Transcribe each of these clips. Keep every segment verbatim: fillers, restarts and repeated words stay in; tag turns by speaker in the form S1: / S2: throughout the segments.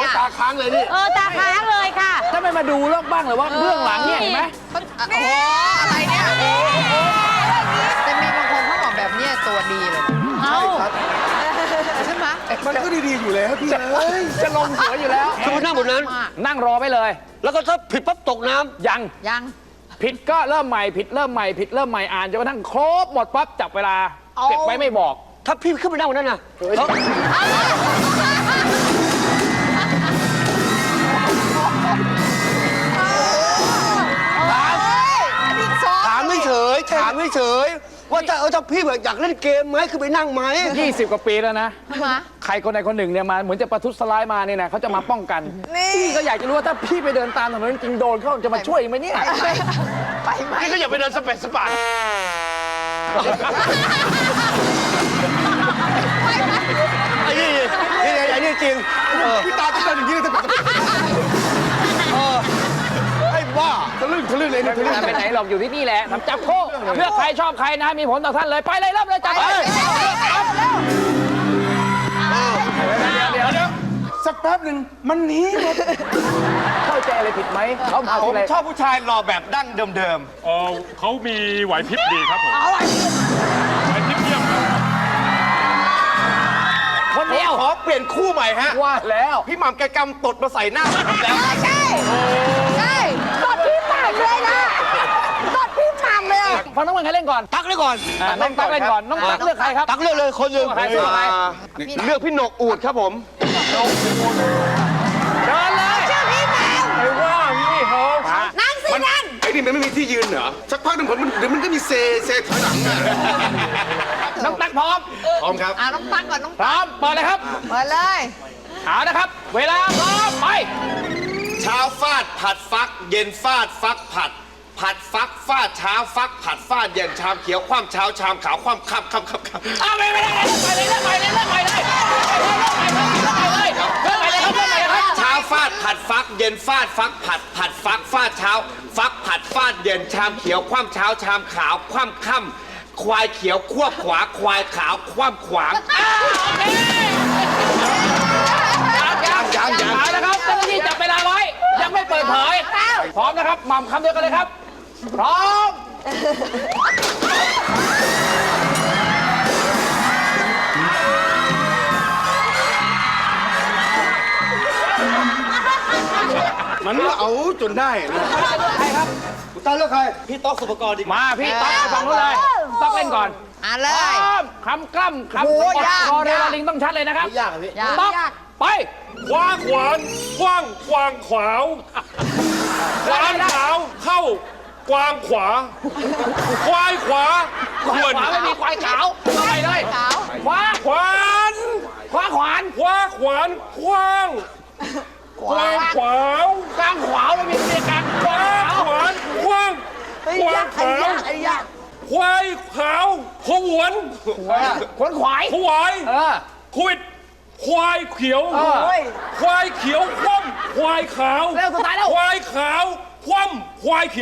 S1: ตาค้างเลยนี่
S2: เออตาค้างเลยค่ะ
S3: ถ้าไม่มาดูเรื่องบ้างเลยว่าเรื่องหลังเนี่ยเห็นไหม
S4: โอ้โหอะไรเนี่ยแต่มีบางคนเขาบอกแบบนี้ตัวดีเลย
S2: เอา
S4: ใช่ไหม
S1: มันก็ดีๆอยู่แล้วพี่เอ้ย
S3: จะลงหัวอยู่แล้ว
S5: คือนั่งบนนั้น
S3: นั่งรอไปเลย
S5: แล้วก็ถ้าผิดปั๊บตกน้ำ
S3: ยัง
S4: ยัง
S3: ผิดก็เริ่มใหม่ผิดเริ่มใหม่ผิดเริ่มใหม่อ่านจนกระทั่งครบหมดปั๊บจับเวลาเก็บไว้ไม่บอก
S5: ถ้าพี่ขึ้นไปนั่งบนนั้นนะเขา ถามไม่เฉยถามไม่เฉยว่าถ้าเออถ้าพี่แบบอยากเล่นเกมไหมคือไปนั่งไหม
S3: ยี่สิบกว่าปีแล้วนะ
S4: ทำไม
S3: ใครคนใดคนหนึ่งเนี่ยมาเหมือนจะประทุษร้ายมาเนี่ยนะเขาจะมาป้องกันพี่ก็อยากจะรู้ว่าถ้าพี่ไปเดินตามถนนจริงโดนเขาจะมาช่วยไหมเนี่ย
S4: ไปไหม
S1: นี่ก็อย่าไปเดินสเปซสปา
S5: ไอ้นี่นี่ไอ้นี่จริงเออ
S1: พี่ตาจะเป็นอย่างนี้เลยสเปซสปา
S5: เออไอ้บ้า
S1: ทะลึ่งทะลึ่งเลยนี่ทะลึ่ง
S3: ไปไหนหรอกอยู่ที่นี่แหละทำจับคู่เลือกใครชอบใครนะมีผลต่อท่านเลยไปเลยเริ่มเลยจับไปเดี๋ยวเดี๋ยว
S1: สักแป๊บหนึ่งมันหนีหมด
S3: เข้าใจอะไรผิดไหมเขามา
S1: ผม
S3: อะไร
S1: ชอบผู้ชายหล่อแบบดั้งเดิม
S6: เออเขามีไหวพริบดีครับผมไหวพริบเยี่ยมครับ
S3: คนเดียว
S1: ๆขอเปลี่ยนคู่ใหม่ฮะ
S3: ว่าแล้ว
S1: พี่หม่ำแกกำตดมาใส่หน้าผมแล้ว
S4: ใช่ใช่กดพี่หม่ำเลยนะกดพี่หม่ำเลย
S3: ฟังน้องมันใครเล่นก่อน
S5: ตักเลยก่อน
S3: อ่าน้องตั๊กเล่นก่อนน้องตั๊กเลือกใครครับ
S5: ตักเลือกเลยคนหนึ่ง
S3: ใครเลือกใคร
S1: เลือกพี่หนกอูดครับผม
S3: เดินเลย
S4: ชื่อพี่หม่ำ
S3: ไปว่าพี่เขา
S4: นั่งสินั่ง
S1: ไอ้นี่มันไม่มีที่ยืนเหรอสักพักหนึ่งผมมันเดี๋ยวมันก็มีเซเซถอยหลังอะ
S3: น้องตั๊กพร้อม
S1: พร้อมครับ
S4: อ่ะน้องตั๊กก่อนน้อง
S3: พร้อมเปิดเลยครับ
S4: เปิดเลย
S3: เอานะครับ เวลาพร้อมไป
S1: เช้าฟาดผัดฟัก เย็นฟาดฟักผัด ผัดฟักฟาดเช้าฟักผัดฟาดเย็นชามเขียวคว่ำเช้าชามขาวคว่ำค่ำค่ำค่ำค่ำ
S3: เอาไปไม่ได้ไปเลยเลิกไปเลยเลิกไปเลยเลิกไปเลยเลิกไปเลยเลิกไปเลยครับเลิกไปเลยครับ
S1: เช้าฟาดผัดฟัก เย็นฟาดฟักผัด ผัดฟักฟาดเช้า ฟักผัดฟาดเย็นชามเขียวคว่ำเช้าชามขาวคว่ำค่ำควายเขียวควบขวาควายขาวคว่ำขวาง
S3: ยังยังยังเอาละครับเจ้าหน้าที่จับเวลาไว้ ยังไม่เปิดเผย พร้อมนะครับหม่ำคำเดียวกันเลยครับ พร้อม
S1: มันเอาจนได้นะ
S3: ใครครับ
S5: คุณตาเลือกใครพี่ต๊อกสุปกรณ์ดี
S3: มาพี่ต๊อกไปฟังนู้นเลยต๊อกเล่นก่อน
S4: อ่ะเล
S3: พ
S4: ย
S3: ร้อมคำกล้ำคำ
S4: โอ้ยาก
S3: คอเร
S4: ยาก
S3: ลาลิงต้องชัดเลยนะครับ
S5: ยากอะพี่
S4: ยาก
S3: ต๊อก
S4: ยาก
S3: ไป
S6: คว้าขวานคว้างกวางขวาวขวานขาวเข้ากวางขวา ควายขวาข
S3: ขวา
S6: วน
S3: ขวาไม่มีควายขาวเอาไปเลย
S4: ขาว
S3: ขวา
S6: ขวาน
S3: ขวาขวาน
S6: คว้าขวานคว้างกวางขวาว
S3: กลางขวาไม่มีเสียกลาง
S6: คว้าขวานคว้างกวางขาว
S4: ไอ้ยาก
S6: ควายขาวขวน
S3: ขวนขวาย
S6: ขวาย
S3: เออ
S6: ควิดควายเขียว
S3: เออ
S6: ควายเขียวคว่ำควายขาว
S3: เร็วสุดท้ายแล้ว
S6: ควายขาวคว่ำควายเขียว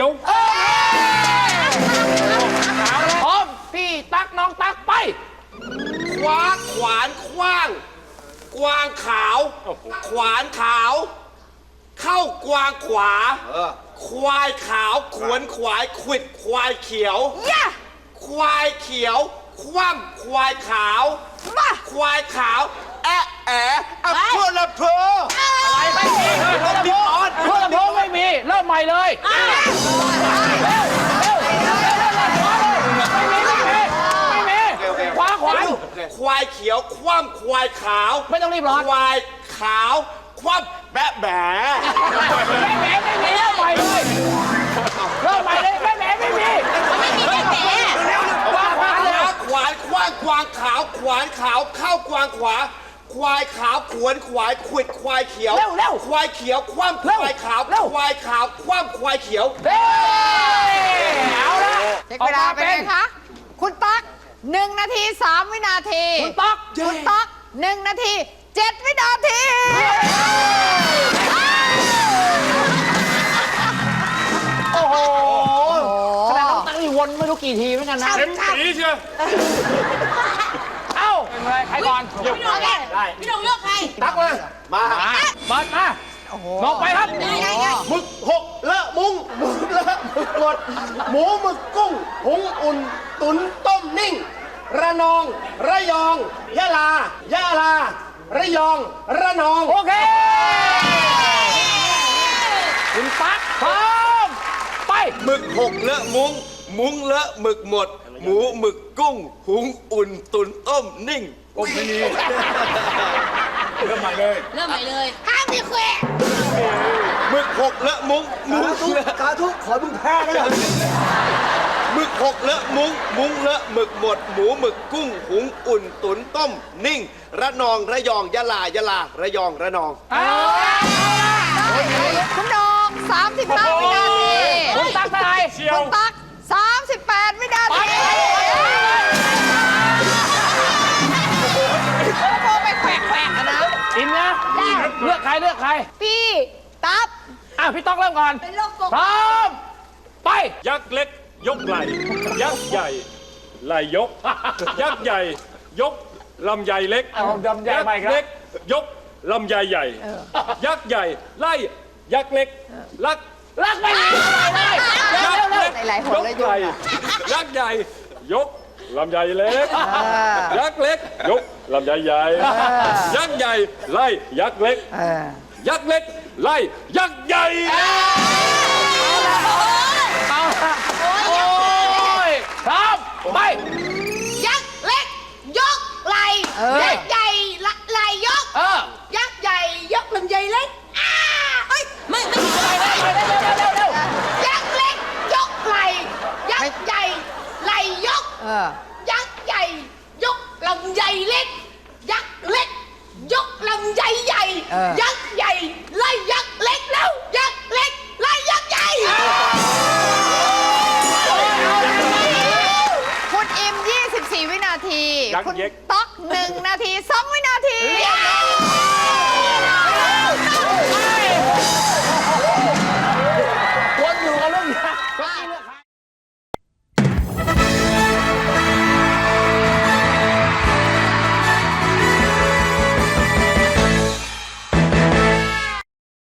S3: พร้อมพี่ตักน้องตักไป
S1: คว้าขวานคว้าง กวางขาว ขวานขาว เข้ากวางขวา ควายขาวขวนขวายขวิดควายเขียว
S4: ย่า
S1: ควายเขียว คว่ำควายขาว
S4: มา
S1: ควายขาว แอะแอะอะเพื่อละเพอ
S3: อะไรไม่มีเพื่อนลำโพงเพื่อนลำโพงไม่มี เริ่มใหม่เลยเร็วเร็วเร็วเร็วเร็วเร็วไม่มีไม่มีไม่มีขวาขวาน
S1: ควายเขียว คว่ำควายขาว
S3: ไม่ต้องรีบร้อน
S1: ควายขาว คว่ำแบะแบะ
S3: ไม่แหมไม่มีเริ่มใหม่เลยเริ่มใหม่เลยไม่แหมไม่มีไม่มีไม่แหมขวาขวานเลย
S1: ขวานคว้างกวางขาว ขวานขาวเข้ากวางขวา ควายขาวขวนขวายขวิดควายเขียว
S3: เร็วเร็ว
S1: ควายเขียว คว่ำค
S3: เร็ว
S1: วายขาว
S3: เร็ว
S1: ควายขาว คว่ำควายเขียว
S3: เฮ้ยเอาละ
S4: เช็คเวลาไปเลยคะคุณตั๊กหนึ่งนาทีสามวินาที
S3: คุณต๊อก
S4: คุณตั๊กหนึ่งนาทีเจ็ดวินาที
S3: โอ้โหขนาดน้องตั้งนี่วนไม่รู้กี่ทีเหมือนกันนะ
S6: เต็มสีเชียว
S3: เอ้าเลยใครก่อน
S2: พี่หนุ่มได้พี่หนุ่มเลือกใคร
S1: ตักมา มา
S3: มาเปิดมาลงไปครับ
S2: ได้ได้ได้
S1: หมึกหกเลอะมุ้งหมึกเลอะหมึกหมด หมูหมึกกุ้ง หุงอุ่น ตุ๋นต้มนิ่ง ระนอง ระยอง ยะลา ยะลา ระยอง ระนอง
S3: โอเคคุณปักพร้อมไป
S1: หมึกหกเลอะมุ้ง มุ้งเลอะหมึกหมด หมูหมึกกุ้ง หุงอุ่น ตุ๋นต้มนิ่ง
S6: โอ้ไม่มีเริ่มใหม่เลย
S2: เริ่มใหม่เลยห้ามมีแขวะ
S1: หมึกหกเลอะมุ้ง มุ้งเลอะ
S5: กาทุกขอมึงแพ้ก็ได้
S1: หมึกหกเลอะมุ้ง มุ้งเลอะหมึกหมด หมูหมึกกุ้ง หุงอุ่น ตุ๋นต้ม นิ่ง ระนอง ระยอง ยะลา ยะลา ระยอง ระนอง
S4: คุณน้องสามสิบห้าวินาที
S3: คุณตักเท่าไหร่
S6: เชีย
S4: คุ
S6: ว
S4: ณตั๊กสามสิบแปดวินาทีโอ้โหไปแขวะแขวะนะ
S3: อินนะเลือกใครเลือกใคร
S4: พี่ตั๊บ
S3: อ่ะพี่ต๊อกเริ่มก่อน
S4: เป็นโรคปก
S3: พร้อมไป
S6: ยักษ์เล็ก ยกไหล่ยักษ์ใหญ่ไหล่ยก ยักษ์ใหญ่ ยกลำใหญ่เล็ก
S3: เอาลำไย
S6: ยัก
S3: ใหม่ครับ
S6: ษ์เล็ก ยกลำใหญ่ใหญ่ ยักษ์ใหญ่ ไล่ยักษ์เล็กลัก
S3: รักไปเลยเร็ว
S6: ยักษ์
S3: เร็ว
S6: เล็ก
S4: หลายๆหน
S6: ยก
S4: เลย
S6: ไหล่ยักษ์ใหญ่ ยกลำใหญ่เล็ก ยักษ์เล็ก ยกลำใหญ่ใหญ่ยักษ์ใหญ่ไล่ยักษ์เล็ก ยักษ์เล็กไล่ยักษ์ใหญ่
S3: เอาละโอ้ยพร้อมไป
S2: ยักษ์เล็ก ยกไหลยักษ์ใหญ่ละไหลยก
S3: เออ
S2: ยักษ์ใหญ่ยกลำไยเล็กอ้าเอ้ยไม่ไม่
S3: ไปเร็วไปเร็วเร็วเร็วเร็ว
S2: ยักษ์เล็ก ยกไหลยักษ์ใหญ่ไหลยก
S4: เออ
S2: ยักษ์ใหญ่ ยกลำไยเล็ก ยักษ์เล็ก ยกลำไยใหญ่
S4: เออ
S2: ยักษ์ใหญ่ไล่ยักษ์เล็กแล้ว ยักษ์เล็กไล่ยักษ์ใหญ่
S4: คุณอิม ยี่สิบสี่ วินาที
S6: ยักษ์
S4: คุณ
S6: เย็ก
S4: ต๊อกหนึ่งนาทีสองวินาที
S3: วนอยู่กับเรื่องนี้